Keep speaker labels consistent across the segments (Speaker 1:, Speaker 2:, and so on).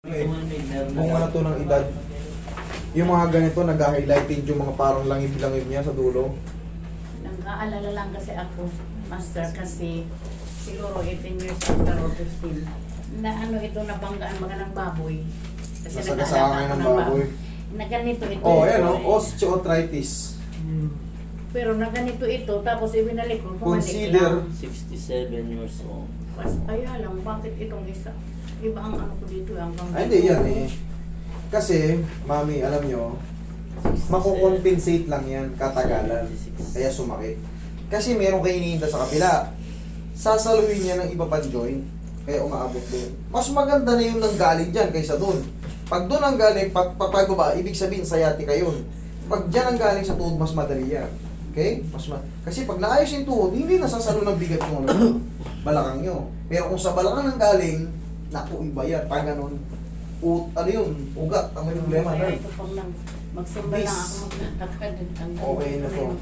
Speaker 1: Kung ano to ng edad. Yung mga ganito, nag-highlighting yung mga parang langib-langib niya sa dulo.
Speaker 2: Nag-aalala lang kasi ako, master, kasi siguro 18 years after or 15. Na ano ito, nabanggaan mga ng baboy. Kasi
Speaker 1: Nasagasaan kayo ng baboy.
Speaker 2: Na ganito ito.
Speaker 1: Oh, ayan o, osteoarthritis.
Speaker 2: Pero na ganito ito, tapos ibinalik ko, bumalik
Speaker 1: Consider-
Speaker 2: lang.
Speaker 3: 67 years old.
Speaker 2: Kaya lang, bakit itong isa? Iba ang ano ko dito, hanggang
Speaker 1: Ay, hindi yan eh. Kasi, mami, alam nyo, makukompensate lang yan katagalan. Kaya sumakit. Kasi meron kayo iniinda sa kapila. Sasaluhin niya ng iba pang joint. Kaya umaabot doon. Mas maganda na yung nanggaling dyan kaysa doon. Pag doon ang galing, papagaba, ibig sabihin sciatica yun. Pag dyan ang galing sa tuhod, mas madali yan. Okay? Kasi pag naayos yung tuhod, hindi nasasalo ng bigat yung ano, balakang nyo. Pero kung sa balakang nang galing, naku, iba yan. Pag ganun, ano yun, ugat, ang may problema.
Speaker 2: Kaya
Speaker 1: Nerve.
Speaker 2: ito pang lang, magsimba lang ako maglalakad.
Speaker 1: Okay na to.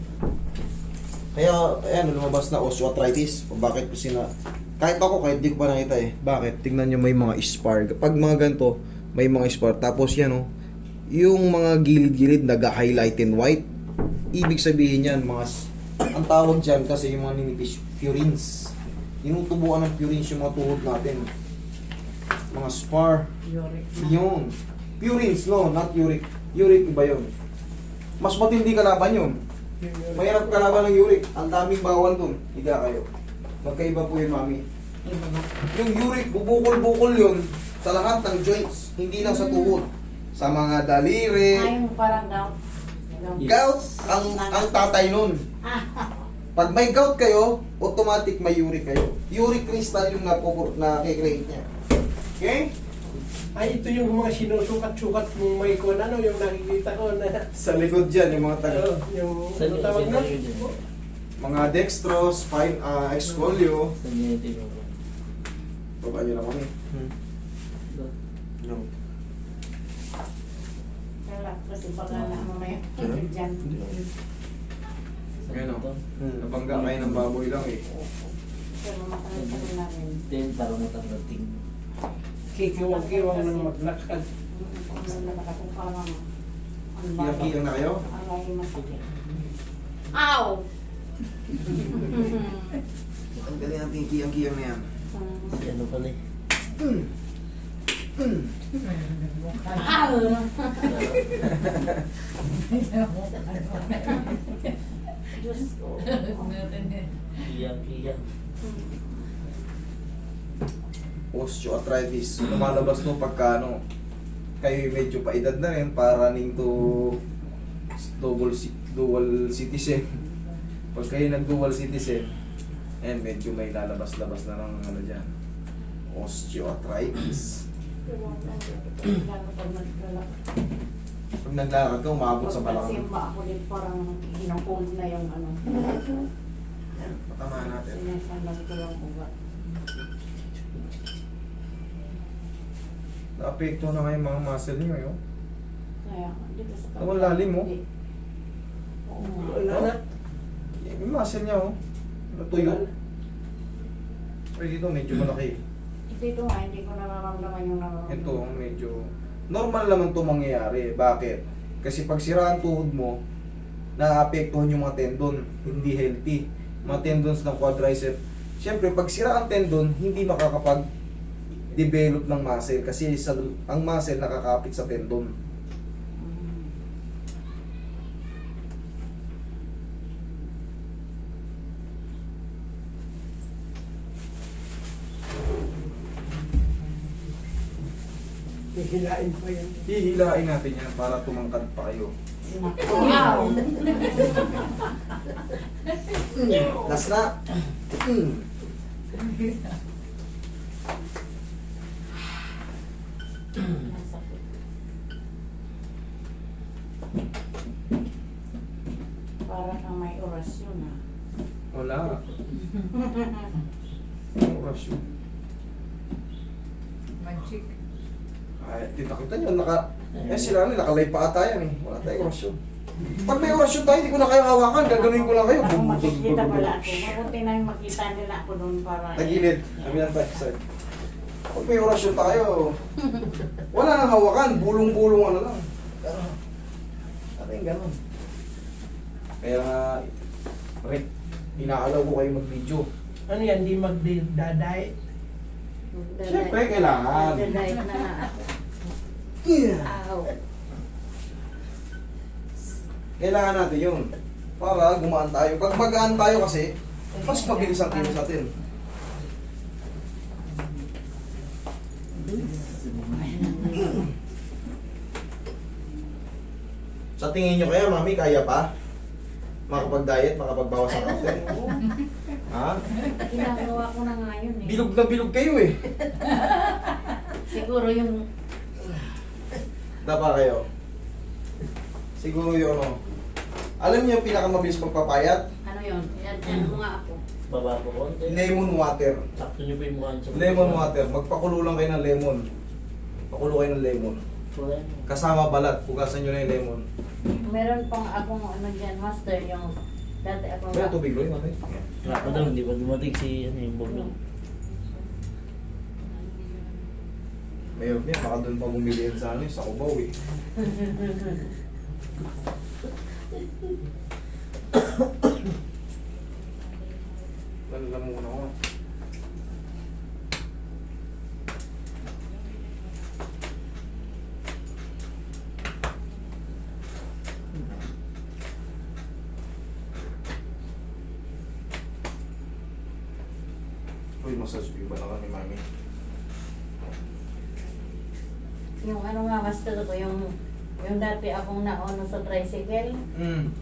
Speaker 1: Kaya, ayan, lumabas na osteoarthritis. Bakit ko kahit ako, kahit di ko pa nakita eh. Bakit? Tingnan nyo may mga spar. Pag mga ganito, may mga spar. Tapos yan oh, yung mga gilid-gilid nag-highlight in white. Ibig sabihin yan, ang tawag dyan kasi yung mga ninipis, purines. Tinutubuan ng purines yung mga tuhod natin. Mga spar.
Speaker 2: Uric na.
Speaker 1: Yun. Purines, no? Not uric. Uric, iba yun. Mas matindi kalaban yun. Mahirap kalaban ng uric. Ang daming bawal dun. Higa kayo. Magkaiba po yun, mami.
Speaker 2: Iba ba?
Speaker 1: Yung uric, bubukol-bukol yun sa lahat ng joints. Hindi lang sa tuhod. Sa mga daliri.
Speaker 2: Yung parang gout.
Speaker 1: Gout, ang tatay nun. Pag may gout kayo, automatic may uric kayo. Uric crystal yung nakikreate niya. Okay?
Speaker 4: Ay, ito yung mga sinusukat-sukat mong may kung ano, yung nakikita ko na...
Speaker 1: Sa likod dyan, yung mga taga.
Speaker 4: yung
Speaker 3: Saan
Speaker 4: ano
Speaker 3: yung
Speaker 4: tawag na?
Speaker 3: scenario dyan?
Speaker 1: Mga dextro, spine, excolio.
Speaker 3: Saan niya yung tinuro?
Speaker 1: Baba nyo na kami. No.
Speaker 2: Kaya kasi baka na mamaya dyan.
Speaker 1: Ayan o. Nabangga kayo ng baboy lang eh.
Speaker 2: Pero matagal namin.
Speaker 3: Then, parang matanggating.
Speaker 4: Kikiwang-kiwang ng maglakad.
Speaker 2: Kung parang ang
Speaker 1: Kiyang na kayo?
Speaker 2: Aray, masakit. Ow!
Speaker 1: Ang galing natin yung kiyang-kiyang na yan.
Speaker 3: Si ano pala eh.
Speaker 2: Ow! Diyos ko.
Speaker 3: Iyak-iyak.
Speaker 1: Osteoarthritis. Lumalabas no pagka ano, kayo medyo paedad na rin para running to dual citizen. Pag kayo nag-dual citizen, and medyo may lalabas-labas na ng ano dyan. Osteoarthritis. Pag naglalakad ka, umabot sa balakang.
Speaker 2: Simba ako din parang hinungkol na yung ano.
Speaker 1: Yan, patamaan natin.
Speaker 2: Sinasalag ko lang ugat.
Speaker 1: Naapekto na nga yung mga muscle niyo, yun.
Speaker 2: Kaya, dito sa
Speaker 1: Ang lalim, oh.
Speaker 2: Oo nga.
Speaker 4: Wala na.
Speaker 1: Yung muscle niya, oh. Natuyo. Pero dito, medyo malaki.
Speaker 2: Dito nga, hindi ko nararamdaman yung nararamdaman.
Speaker 1: Ito, medyo... Normal naman ito mangyayari. Bakit? Kasi pag sira ang tuhod mo, naapektuhan yung mga tendon. Hindi healthy. Mga tendons ng quadricep. Siyempre, pag sira ang tendon, hindi makakapag-develop ng muscle. Kasi ang muscle nakakapit sa tendon.
Speaker 4: Hihilain pa yan.
Speaker 1: Hihilain natin yan para tumangkad pa kayo.
Speaker 2: Wow!
Speaker 1: Last na.
Speaker 2: Masakit. Para kang may orasyon ah.
Speaker 1: Wala. Ang orasyon.
Speaker 5: Magic.
Speaker 1: Ay, kita nyo, sila nakalay pa ata yan eh. Wala tayong orasyon. Pag may orasyon tayo, hindi ko na kayo hawakan. Gagawin ko lang kayo.
Speaker 2: Ako makikita pala ako. Mabuti na yung makita nila ako doon para...
Speaker 1: Tagilid. Kami lang tayo. Sorry. Pag may orasyon tayo, wala nang hawakan, bulong-bulong ano lang. Gano'n. Ating gano'n. Kaya nga, Rick, inaalaw ko kayo mag-video.
Speaker 4: Ano yan, di magdadayet?
Speaker 1: Siyempre, kailangan.
Speaker 2: Magdadayet na nga ako. Ow.
Speaker 1: Kailangan natin yun. Para gumaan tayo. Pag magaan tayo kasi, mas mabilis ang kilos natin. Sa tingin nyo kaya, mami, kaya pa? Makapag-diet, makapagbawas ng kape? Ha?
Speaker 2: Ginagawa ko na nga yun eh.
Speaker 1: Bilog na bilog kayo eh.
Speaker 2: Siguro yung
Speaker 1: Dapa kayo. Siguro yun, ano. Alam niyo yung pinakamabilis pagpapayat?
Speaker 2: ano yun, yan mo nga ako.
Speaker 3: Baba po konti.
Speaker 1: Lemon water.
Speaker 3: Sakto nyo po yung mukha niyo sa
Speaker 1: Lemon water. Magpakulo lang kayo ng lemon. Pakulo kayo ng lemon.
Speaker 3: Wala.
Speaker 1: Kasama balat. Pugasan nyo na yung lemon.
Speaker 2: Meron pang akong ano dyan, master, yung dati akong
Speaker 1: Kaya tubig, Roy, mami.
Speaker 3: Wala pa daw, hindi pa dumating si ano yung bubong.
Speaker 1: Mayroon niya, baka doon pa bumili yan sa ano, sa Cubao eh. Lala muna ko. Uy, massage ko ba na kami, mami?
Speaker 2: yung ano nga, master ko, yung dati akong naono sa tricycle,
Speaker 1: Hmm.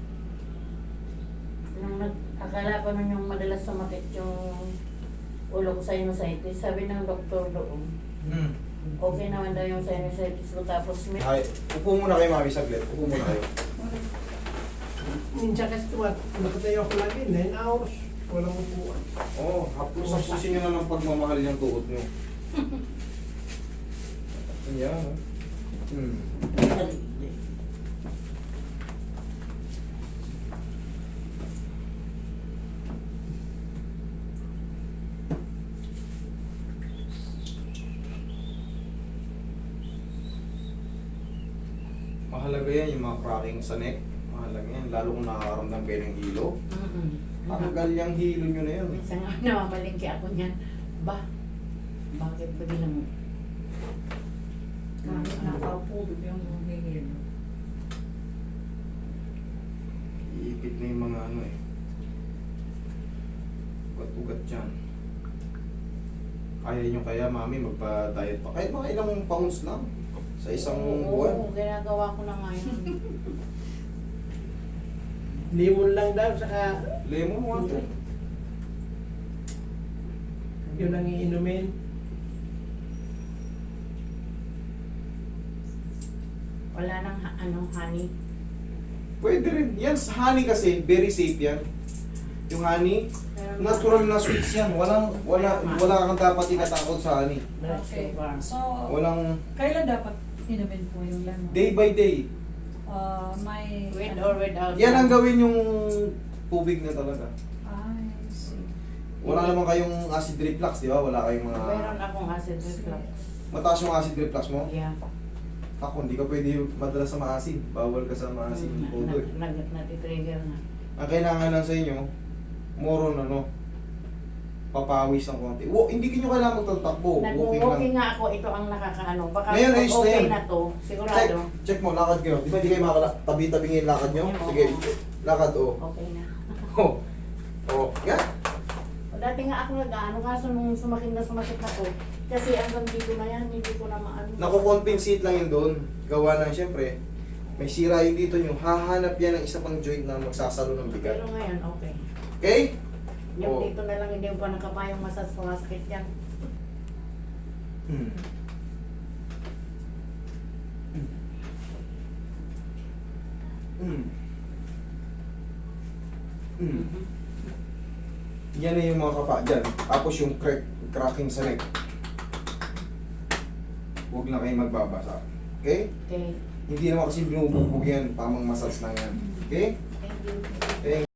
Speaker 2: nung akala ko nun yung madalas sumakit yung ulo ko sa sinusitis, sabi ng doktor doon,
Speaker 1: Hmm.
Speaker 2: okay naman daw yung sinusitis ko, tapos may
Speaker 1: Ay, upo muna kayo, mami, saglit. Upo muna kayo.
Speaker 4: Minsan kasi nakatayo ako lagi, 9 hours. Walang upuan.
Speaker 1: Oo, hapos-hapusin nyo na ng pagmamahal yung tuhod nyo. Yan, oh. Hmm. Mahalaga yan, yung mga cracking sa neck. Mahalaga yan, lalo kung nakakaramdam kayo ng hilo. Tanggal yung hilo nyo na yan.
Speaker 2: minsan nga namamalingki ako niyan, bakit ba bilang kahit nakaupo yung hihilo.
Speaker 1: Iipit na yung mga ano eh. Ugat-ugat dyan. Kaya nyo kaya, mami, magpa-diet pa. Kahit mga ilang pounds lang sa isang buwan.
Speaker 2: Oo, ginagawa ko na ngayon.
Speaker 4: Limon lang daw, saka
Speaker 1: Lemon water.
Speaker 4: yun ang iinumin.
Speaker 2: Wala nang honey.
Speaker 1: Pwede rin. Yan, honey kasi, very safe yan. Yung honey,
Speaker 2: Pero
Speaker 1: natural na sweets yan. Wala kang dapat ikatakot sa honey.
Speaker 2: Okay.
Speaker 5: So,
Speaker 1: Walang
Speaker 5: kailan dapat inumin po yung lemon?
Speaker 1: day by day.
Speaker 5: May...
Speaker 2: With or without.
Speaker 1: Yan ang gawin yung tubig na talaga.
Speaker 5: I see.
Speaker 1: Wala naman kayong acid reflux, di ba? Wala kayong mga...
Speaker 2: Meron akong acid reflux.
Speaker 1: Mataas yung acid reflux mo?
Speaker 2: Yeah.
Speaker 1: Ako, hindi ka pwede madalas sa maasin. Bawal ka sa maasin. Todo eh.
Speaker 2: Nag-trigger na.
Speaker 1: Ang kailangan lang sa inyo, more on ano, papawis ng konti. Hindi nyo kailangan magtatakbo. Walking lang.
Speaker 2: Nag-walking nga ako, ito ang nakakaano. Baka
Speaker 1: Ngayon,
Speaker 2: pag
Speaker 1: ayos na
Speaker 2: okay
Speaker 1: yan.
Speaker 2: na to, sigurado.
Speaker 1: Check mo, lakad kayo. Di ba hindi kayo tabi-tabi ngayon lakad nyo?
Speaker 2: Oo.
Speaker 1: Sige, lakad oh.
Speaker 2: Okay na.
Speaker 1: Oh. Oh, yan.
Speaker 2: Dati nga ako nag-ano, kaso nung sumakit na ako. Kasi hanggang dito na yan, hindi ko na maano.
Speaker 1: Nakukompensate lang yun doon. Gawa ng siyempre, may sira yung dito nyo. Hahanap yan ng isa pang joint na magsasalo ng bigat.
Speaker 2: Pero ngayon, okay.
Speaker 1: Okay?
Speaker 2: Yung
Speaker 1: Oo.
Speaker 2: dito na lang, hindi ko pa nakapayong masasakit yan.
Speaker 1: Hmm. Hmm. Hmm. Yan na yung mga kapa dyan. Tapos yung cracking sa neck. Huwag na kayo magbabasa. Okay?
Speaker 2: Okay.
Speaker 1: Hindi naman kasi binubugbog yan. Tamang massage lang yan. Okay?
Speaker 2: Thank you.
Speaker 1: Thank